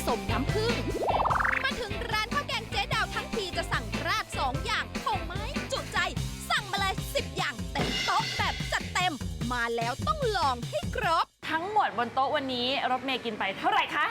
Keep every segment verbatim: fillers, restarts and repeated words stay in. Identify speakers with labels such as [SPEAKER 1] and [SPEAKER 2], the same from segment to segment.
[SPEAKER 1] สมน้ำผึ้งมาถึงร้านข้าวแกงเจ๊ดาวทั้งทีจะสั่งราดสองอย่างคงไม่จุใจสั่งมาเลยสิบอย่างเต็มโต๊ะแบบจัดเต็มมาแล้วต้องลองให้ครบ
[SPEAKER 2] ทั้งหมดบนโต๊ะวันนี้รถเมย์กินไปเท่าไหร่คะ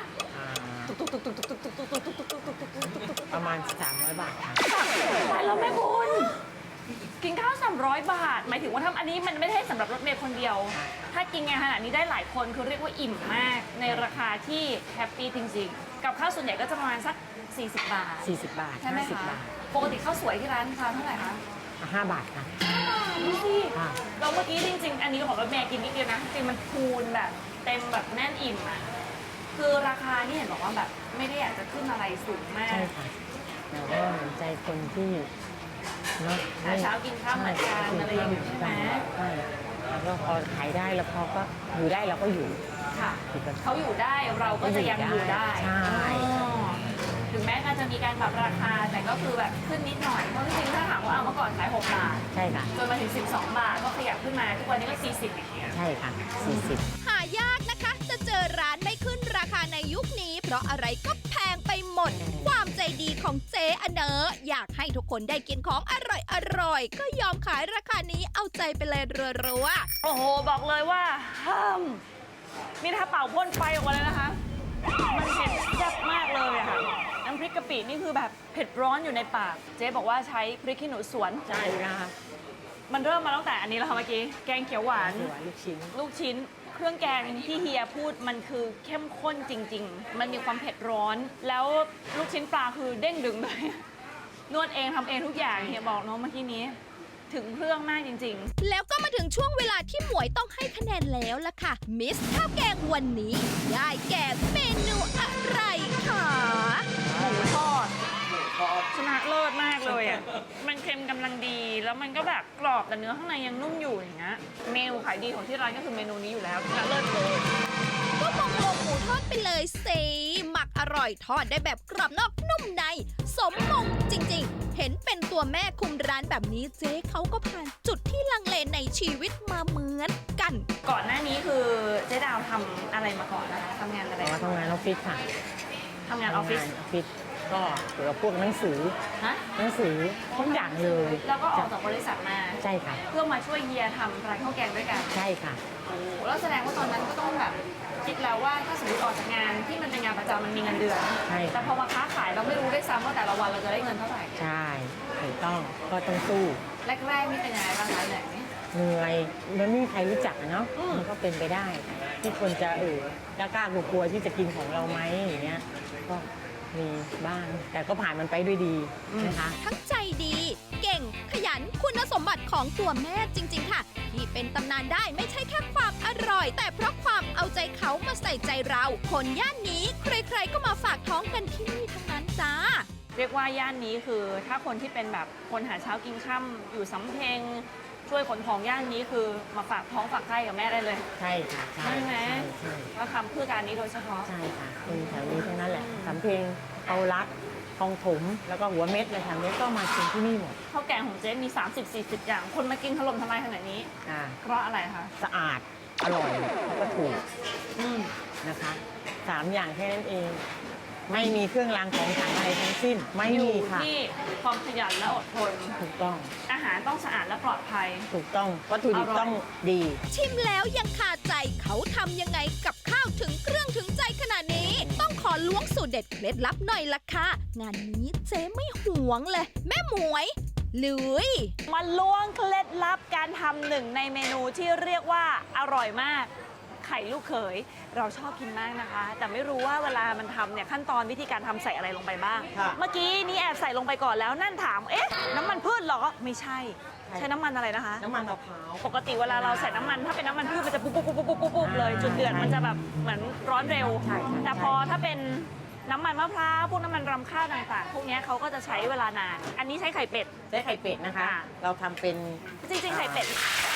[SPEAKER 3] ประมาณสามร้อยบาทค่ะ
[SPEAKER 2] ตายแล้วแม่คุณกินข้าวสามร้อยบาทหมายถึงว่าทำอันนี้มันไม่ใช่สำหรับรถเมย์คนเดียว ถ้ากินงานขนาดนี้ได้หลายคนคือเรียกว่าอิ่มมากในราคาที่แฮปปี้จริงๆกับข้าวส่วนใหญ่ก็จะประมาณสักสี่สิบบาท
[SPEAKER 3] สี่สิบบาท
[SPEAKER 2] ใช่ไหม
[SPEAKER 3] ห้าสิบ
[SPEAKER 2] คะ
[SPEAKER 3] บาท
[SPEAKER 2] ปกติข้าวสวยที่ร้านทานเท่าไหร่คะ
[SPEAKER 3] ห้าบาทค่ะ
[SPEAKER 2] ดูสิ
[SPEAKER 3] ค่ะ
[SPEAKER 2] เราเมื่อกี้จริงๆอันนี้ของรถเมย์กินนิดเดียวนะจริงมันคูณแบบเต็มแบบแน่นอิ่มอ่ะคือราคานี่เห็นบอกว่าแบบไม่ได้อยากจะขึ้นอะไรสูงมาก
[SPEAKER 3] ใช่ค่ะแต่ว่าเห็นใจคนที่เนาะ
[SPEAKER 2] หาเช้ากินข้าวเหมือนกันอะไรอย่างนี้ใช่ไหม
[SPEAKER 3] ใช่แล้วก็พอขายได้แล้วพอก็อยู่ได้เราก็อยู่
[SPEAKER 2] ค่ะเขาอยู่ได้เราก็จะยังอยู่ได้
[SPEAKER 3] ใช่
[SPEAKER 2] อ๋อถึงแม้การจะมีการปรับราคาแต่ก็คือแบบขึ้นนิดหน่อยเพราะจริงๆถ้าถามว่าเอาเมื่อก่อนขายหกบาท
[SPEAKER 3] ใช่ค่ะ
[SPEAKER 2] จนมาถึงสิบสองบาทก็ขยับขึ้นมาทุกวันนี้ก็สี่สิบอย่างเงี้ย
[SPEAKER 3] ใช่ค่ะสี่สิบ
[SPEAKER 1] หายากนะคะจะเจอร้านไม่ขึ้นราคาในยุคนี้ เพราะอะไรก็แพงไปหมด ความใจดีของเจ๊อเนออยากให้ทุกคนได้กินของอร่อยอร่อยก็ยอมขายราคานี้เอาใจไปเลยรัวๆ
[SPEAKER 2] โอ้โหบอกเลยว่าห้ามนี่ถ้าเป่าพ่นไฟออกมาเลยนะคะมันเผ็ดแซ่บมากเลยอะค่ะน้ำพริกกะปินี่คือแบบเผ็ดร้อนอยู่ในปากเจ๊บอกว่าใช้พริกขี้หนูสวน
[SPEAKER 3] ใช่นะคะ
[SPEAKER 2] มันเริ่มมาตั้งแต่อันนี้แล้วค่ะเมื่อกี้แกงเขียวหวาน
[SPEAKER 3] หัวลูกชิ้น
[SPEAKER 2] ลูกชิ้น เครื่องแกงที่เฮียพูดมันคือเข้มข้นจริง ๆ มันมีความเผ็ดร้อน แล้วลูกชิ้นปลาคือเด้งดึงเลยนวดเองทำเองทุกอย่างเฮียบอกเนาะเมื่อกี้นี้ถึงเครื่องมากจริงๆ
[SPEAKER 1] แล้วก็มาถึงช่วงเวลาที่หมวยต้องให้คะแนนแล้วล่ะค่ะ มิสข้าวแกงวันนี้ได้แก่เมนูอะไรคะ
[SPEAKER 2] หมูทอดชนะเลิศมากเลยอ่ะ มันเค็มกำลังดี แล้วมันก็แบบกรอบแต่เนื้อข้างในยังนุ่มอยู่อย่างเงี้ย เมนูขายดีของที่ร้านก็คือเมนูนี้อยู่แล้วชนะเลิศเลย
[SPEAKER 1] ก็มองลงหมูทอดไปเลยสิหมักอร่อยทอดได้แบบกรอบนอกนุ่มใน สมมงจริงๆ เห็นเป็นตัวแม่คุมร้านแบบนี้เจ๊เขาก็ผ่านจุดที่ลังเลในชีวิตมาเหมือนกัน
[SPEAKER 2] ก่อนหน้านี้คือเจ๊ดาวทำอะไรมาก่อนนะคะทำงานอะไร
[SPEAKER 3] อ๋อทำงานออฟฟิศค่ะ
[SPEAKER 2] ทำงานออฟฟิศ
[SPEAKER 3] ทำงานออฟฟิศก็เกี่ยวกับพวกหนังสือ
[SPEAKER 2] ฮะ
[SPEAKER 3] หนังสือทุกอย่างเลย
[SPEAKER 2] แล้วก็ออกจากบริษัทมา
[SPEAKER 3] ใช่ค่ะ
[SPEAKER 2] เพื่อมาช่วยเฮียทำร้านข้าวแกงด้วยกัน
[SPEAKER 3] ใช่ค่ะ
[SPEAKER 2] โอ้โหแล้วแสดงว่าตอนนั้นก็ต้องแบบคิดแล้วว่าถ้าสมมติออกจากงานที่มันเป็นงานประจำมันมีเงินเดือน
[SPEAKER 3] ใช่
[SPEAKER 2] แต่พอมาค้าขายเราไม่รู้ด้วยซ้ำว่าแต่ละวันเราจะได้เงินเท่าไหร่
[SPEAKER 3] ใช่ถูกต้องก็ต้องสู้
[SPEAKER 2] แรกๆนี่เป็นยังไงบ้างคะเหนื่อยไหม
[SPEAKER 3] เหนื่อยมันไม่มีใครรู้จักอะเนาะ
[SPEAKER 2] อืม
[SPEAKER 3] มันก็เป็นไปได้ ที่คนจะเออกล้ากล้ากลัวๆที่จะกินของเราไหมอย่างเงี้ยก็มีบ้างแต่ก็ผ่านมันไปด้วยดีนะคะ
[SPEAKER 1] ทั้งใจดี เก่ง ขยัน คุณสมบัติของตัวแม่จริง ๆ ค่ะ ที่เป็นตำนานได้ไม่ใช่แค่ความอร่อย แต่เพราะความเอาใจเขามาใส่ใจเรา คนย่านนี้ใครๆก็มาฝากท้องกันที่นี่ทั้งนั้นจ้า
[SPEAKER 2] เรียกว่าย่านนี้คือถ้าคนที่เป็นแบบคนหาเช้ากินค่ำอยู่สำเพ็งช่วยขนของย่านนี้คือมาฝากท้องฝากไข่กับแม่ได้เลย
[SPEAKER 3] ใช่ค่ะใช่
[SPEAKER 2] ใช่ไหม
[SPEAKER 3] ใช่
[SPEAKER 2] ก็ทำเพื่อการนี้โดยเฉพาะ
[SPEAKER 3] ใช่ค่ะคนแถวนี้ทั้งนั้นแหละสำเพ็งเอารัดคลองถมแล้วก็หัวเม็ดอะไรแถวนี้ก็มากินที่นี่หมด
[SPEAKER 2] ข้าวแกงของเจ๊มี สามสิบสี่สิบ อย่าง คนมากินถล่มทลายขนาดนี้
[SPEAKER 3] อ่า
[SPEAKER 2] เพราะอะไรคะ
[SPEAKER 3] สะอาดอร่อยแล้วก็ถูก
[SPEAKER 2] อืม
[SPEAKER 3] นะคะสามอย่างแค่นั้นเอง ไม่มีเครื่องรางของขลังอะไรทั้งสิ้นไม่
[SPEAKER 2] อ
[SPEAKER 3] มี
[SPEAKER 2] ยู่
[SPEAKER 3] ค่ะ
[SPEAKER 2] ที่ความขยันและอดทน
[SPEAKER 3] ถูกต้อง
[SPEAKER 2] อาหารต้องสะอาดและปลอดภัย
[SPEAKER 3] ถูกต้องวัตถุดิบ
[SPEAKER 2] อร่อย
[SPEAKER 3] ต้องดี
[SPEAKER 1] ชิมแล้วยังคาใจเขาทำยังไงกับข้าวถึงเครื่องถึงใจขนาดนี้ ต้องขอล้วงสูตรเด็ดเคล็ดลับหน่อยละค่ะ งานนี้เจ๊ไม่หวงเลย แม่หมวยลุย
[SPEAKER 2] มาล้วงเคล็ดลับการทำหนึ่งในเมนูที่เรียกว่าอร่อยมาก ไข่ลูกเขยเราชอบกินมากนะคะ แต่ไม่รู้ว่าเวลามันทำเนี่ยขั้นตอนวิธีการทำใส่อะไรลงไปบ้าง
[SPEAKER 3] ค่ะ
[SPEAKER 2] เมื่อกี้นี่แอบใส่ลงไปก่อนแล้วนั่นถามเอ๊ะน้ำมันพืชเหรอไม่ใช่
[SPEAKER 3] ใช่
[SPEAKER 2] ใช้น้ำมันอะไรนะคะ
[SPEAKER 3] น้ำมันมะพร้าว
[SPEAKER 2] ปกติเวลาเราใส่น้ำมันถ้าเป็นน้ำมันพืชมันจะปุ๊บปุ๊บปุ๊บปุ๊บปุ๊บปุ๊บเลยจุดเดือดมันจะแบบเหมือนร้อนเร็ว
[SPEAKER 3] ใช่ใช่
[SPEAKER 2] แต่พอถ้าเป็นน้ำมันมะพร้าวพวกน้ำมันรำข้าวต่างๆ พวกเนี้ยเขาก็จะใช้เวลานาน อันนี้ใช้ไข่เป็ด
[SPEAKER 3] ได้ไข่เป็ดนะคะ
[SPEAKER 2] ค่ะ
[SPEAKER 3] เราทำเป็น
[SPEAKER 2] จริงๆไข่เป็ด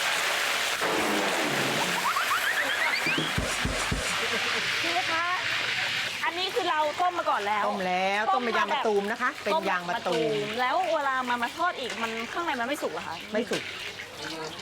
[SPEAKER 2] พี่ลูกค้าอันนี้คือเราต้มมาก่อนแล้ว
[SPEAKER 3] ต้มแล้วต้มเป็นยางมะตูมนะคะ เป็นยางมะตูม
[SPEAKER 2] แล้วเวลามามาทอดอีกมันข้างในมันไม่สุกเหรอคะ
[SPEAKER 3] ไม่สุก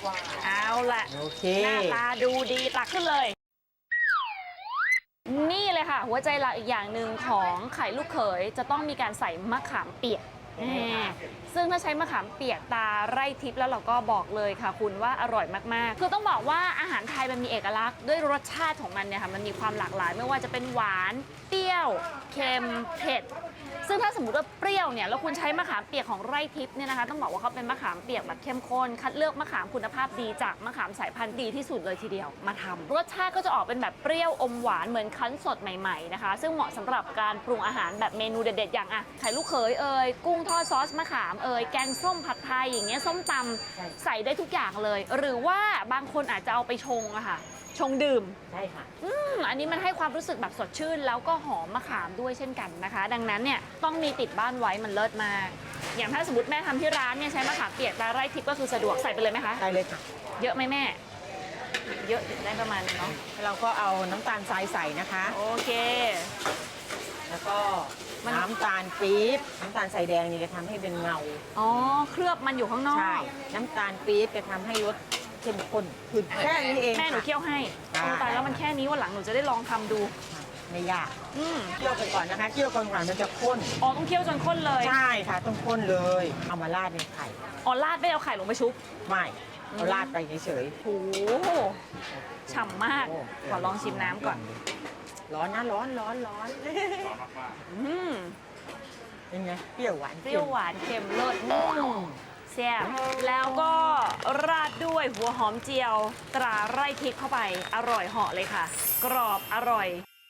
[SPEAKER 2] เอาละ
[SPEAKER 3] โอเค
[SPEAKER 2] หน้าตาดูดีตักขึ้นเลย นี่เลยเลยค่ะ หัวใจหลักอีกอย่างหนึ่งของไข่ลูกเขยจะต้องมีการใส่มะขามเปียกแน่ซึ่งถ้าใช้มะขามเปียกตาไร่ทิพย์แล้วเราก็บอกเลยค่ะคุณว่าอร่อยมากๆคือต้องบอกว่าอาหารไทยมันมีเอกลักษณ์ด้วยรสชาติของมันเนี่ยค่ะมันมีความหลากหลายไม่ว่าจะเป็นหวานเปรี้ยวเค็มเผ็ดซึ่งถ้าสมมติว่าเปรี้ยวเนี่ยแล้วคุณใช้มะขามเปียกของไร่ทิพย์เนี่ยนะคะต้องบอกว่าเขาเป็นมะขามเปียกแบบเข้มข้นคัดเลือกมะขามคุณภาพดีจากมะขามสายพันธุ์ดีที่สุดเลยทีเดียวมาทำรสชาติก็จะออกเป็นแบบเปรี้ยวอมหวานเหมือนคั้นสดใหม่ๆนะคะซึ่งเหมาะสำหรับการปรุงอาหารแบบเมนูเด็ดๆอย่างอ่ะไข่ลูกเขยเอ่ยกุ้งทอดซอสมะขามเอ่ยแกงส้มผัดไทยอย่างเงี้ยส้มตำใส่ได้ทุกอย่างเลย หรือว่าบางคนอาจจะเอาไปชงอะค่ะชงดื่ม
[SPEAKER 3] ใช่ค่ะ
[SPEAKER 2] อืมอันนี้มันให้ความรู้สึกแบบสดชื่น แล้วก็หอมมะขามด้วยเช่นกันนะคะ ดังนั้นเนี่ยต้องมีติดบ้านไว้มันเลิศมาก อย่างถ้าสมมติแม่ทำที่ร้านเนี่ยใช้มะขามเปียกตาไร่ทิพย์ก็คือสะดวกใส่ไปเลยไหมคะ
[SPEAKER 3] ได้เลยค่ะ
[SPEAKER 2] เยอะไหมแม่ เยอะได้ประมาณนึงเนาะ
[SPEAKER 3] เราก็เอาน้ำตาลทรายใส่นะคะ
[SPEAKER 2] โอเค
[SPEAKER 3] แล้วก็
[SPEAKER 2] มัน
[SPEAKER 3] น้ำตาลปี๊บน้ำตาลใส่แดงนี่จะทำให้เป็นเงา
[SPEAKER 2] อ๋อเคลือบมันอยู่ข้างนอก
[SPEAKER 3] ใช่ น้ำตาลปี๊บจะทำให้รสเข้มข้นขึ้นแค่นี้เอง
[SPEAKER 2] แม่หนู
[SPEAKER 3] ค่ะ
[SPEAKER 2] เคี่ยวให้
[SPEAKER 3] ได้
[SPEAKER 2] โอ้ตายแล้วมันแค่นี้วันหลังหนูจะได้ลองทำดู
[SPEAKER 3] ไม่ยาก
[SPEAKER 2] อืม
[SPEAKER 3] เคี่ยวไปก่อนนะคะเคี่ยวก่อนก่อนมันจะข้น
[SPEAKER 2] อ๋อต้องเคี่ยวจนข้นเลย
[SPEAKER 3] ใช่ค่ะต้องข้นเลยเอามาราดในไข่
[SPEAKER 2] อ๋อราดไม่เอาไข่ลงไปชุบ
[SPEAKER 3] ไม่เอาราดไปเฉย
[SPEAKER 2] โอ้โหฉ่ำมาก
[SPEAKER 3] โอ้
[SPEAKER 2] ขอลองชิมน้ำก่อน
[SPEAKER 3] ๆร้อนนะร้อนร้อนร้อน
[SPEAKER 2] อืม
[SPEAKER 3] เป็นไงเปรี้ยวหวาน
[SPEAKER 2] เปรี้ยวหวานเค็มเลิศอืมแซ่บแล้วก็ราดด้วยหัวหอมเจียวตราไร่ทิพย์เข้าไป อร่อยเหาะเลยค่ะ กรอบอร่อย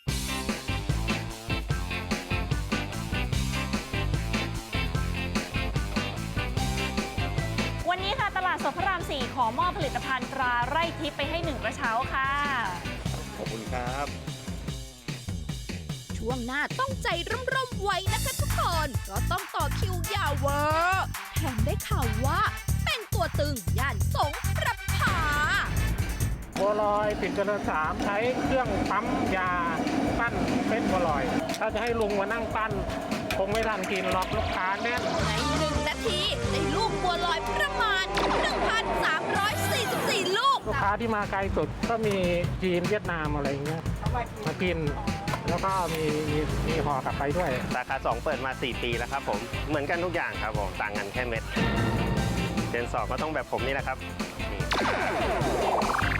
[SPEAKER 2] วันนี้ค่ะตลาดสดพระรามสี่ขอมอบผลิตภัณฑ์ตราไร่ทิพย์ไปให้หนึ่งกระเช้าค่ะ
[SPEAKER 4] ขอบคุณครับ
[SPEAKER 1] ช่วงหน้าต้องใจร่มๆไว้นะคะทุกคนก็ต้องต่อคิวยาวเวอร์แถมได้ข่าวว่าเป็นตัวตึงย่านสงขลา
[SPEAKER 5] บัวลอยปิดเจริญสามใช้เครื่องปั๊มยาปั้นเป็นบัวลอย ถ้าจะให้ลุงมานั่งปั้น คงไม่ทันกินหรอกลูกค้าแน่น
[SPEAKER 1] ในหนึ่งนาทีได้ลูกบัวลอยประมาณ หนึ่งพันสามร้อยสี่สิบสี่ ลูก
[SPEAKER 5] ลูกค้าที่มาไกลสุดก็มีจีนเวียดนามอะไรอย่างเงี้ยมากิน แล้วก็มีมีมีห่อกลับไปด้วย
[SPEAKER 4] สาขาสองเปิดมา สี่ ปีแล้วครับผม เหมือนกันทุกอย่างครับผม ต่างกันแค่เม็ดเจนสองก็ต้องแบบผมนี่แหละครับนี่